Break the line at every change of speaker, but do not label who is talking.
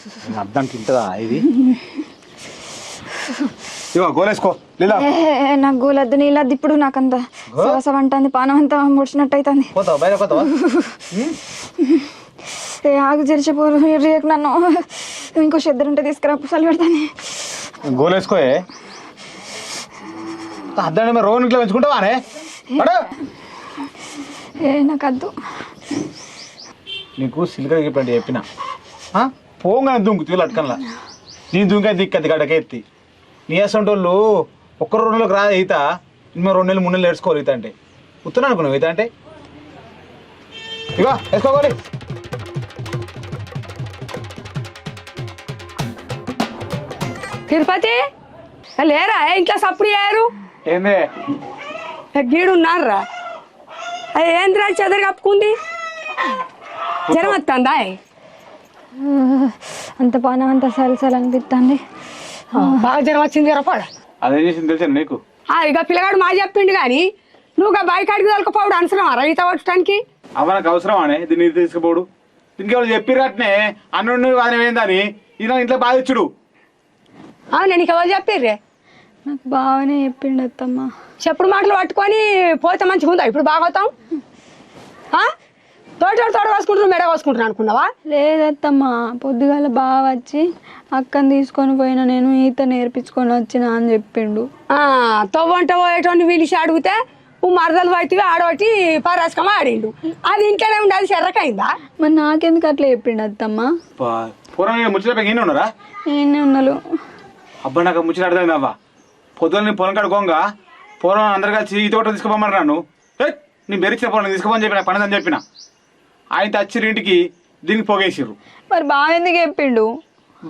అర్థంకి ఇంటదా ఇది ఇవో గోలేసుకో లీలా
నాకు గోలద్దు నీళ్ళద్దు ఇప్పుడు నాకంత సవసవ అంటుంది పానం అంతా ముడిచినట్టు అవుతుంది
పోతావా బయట పోతావా
ఆగు జరిచిపోరు రేపు నన్ను ఇంకో చెద్దరు ఉంటే తీసుకురా పుసలు పెడతాను
గోలేసుకోయే అద్దండి మరి రోజు ఇంట్లో పెంచుకుంటావానే
నాకు వద్దు
నీకు సిల్క చెప్పండి చెప్పిన పోగానే దుంకు తీలు అటకల్లా నీ దుంక దిక్కది గడక ఎత్తి నీ అసంటోళ్ళు ఒక్క 2 నెలలకు రా ఈత మేము 2 నెలలు 3 నెలలు నేర్చుకోవాలి ఈత అంటే ఉత్తరం అనుకున్నావు ఈత అంటే ఇగో వేసుకోవాలి
తిరుపతి లేరా ఇంట్లో సప్పుడు అయ్యారు
ఏందే
గీడు ఉన్నారా అది ఏంద్రా చెదరు కప్పుకుంది జ్వరం వస్తుందా
అంత పానం అంత సలసలు అనిపిస్తుంది
బాగా జ్వరం వచ్చింది జ్వరపాడ
అదేం చేసింది తెలుసా నీకు
ఇక పిల్లగాడు మా చెప్పిండు కానీ నువ్వు బైక్ అడిగి తోలుకపోవడం అవసరం ఈత కొట్టడానికి
అవ నాకు అవసరం అనే దీన్ని తీసుకుపోడు దీనికి ఎవరు చెప్పిరట్నే అన్నుండి వాని ఏందని ఈయన ఇంట్లో బాధించుడు
అవును నీకు ఎవరు చెప్పిర్రే
నాకు బాగానే చెప్పిండు అత్తమ్మ
చెప్పుడు మాటలు పట్టుకొని పోతే మంచిగా ఉందా ఇప్పుడు బాగోతాం తోట కోసుకుంటున్నావు మెడ కోసుకుంటున్నాను అనుకున్నావా
లేదత్తమ్మ పొద్దుగాల బాగా వచ్చి అక్కని తీసుకొని పోయినా నేను ఈత నేర్పించుకొని వచ్చిన అని చెప్పిండు
తవ్వంట పోయేటోని పిలిచి అడిగితే నువ్వు మరదలు పట్టివి ఆడబట్టి పరాస్కమ ఆడిండు అది ఇంట్లోనే ఉండి అది చెర్రకైందా
మరి నాకెందుకు అట్లా చెప్పిండు అత్తమ్మ
పూర్వం ముచ్చట ఈయన ఉన్నారా
నేనే ఉన్నాను
అబ్బా నాకు ముచ్చట అర్థమైంది అవ్వ పొద్దున్న నీ పొలం కడుకోగా పూర్వం అందరు కలిసి ఈత కొట్ట తీసుకోమన్నారు నన్ను నేను బెరిచిన పొలం తీసుకోమని చెప్పిన పని అని చెప్పిన ఆయన తెచ్చిరు ఇంటికి దీనికి పొగేసిర్రు
మరి బాగా ఎందుకు చెప్పిండు